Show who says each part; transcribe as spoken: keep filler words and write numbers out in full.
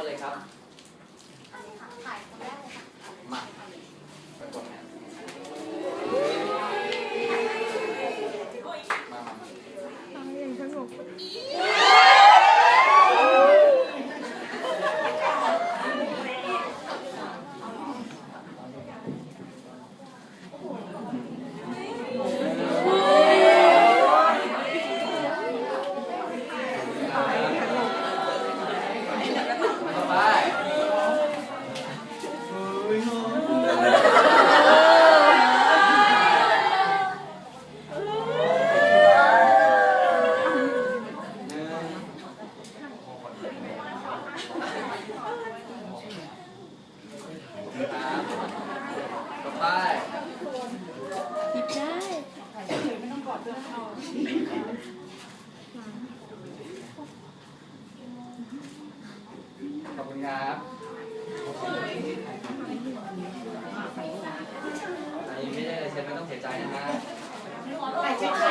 Speaker 1: เลยครับ
Speaker 2: ถ่ายคนแรกเลยค่ะ
Speaker 1: มาไปกดนะมามา
Speaker 3: อย่างสงบ
Speaker 2: หยิบได้
Speaker 1: ขอบคุณครับอันนี้ไม่ได้เลยเชฟไม่ต้องเสียใจนะฮะ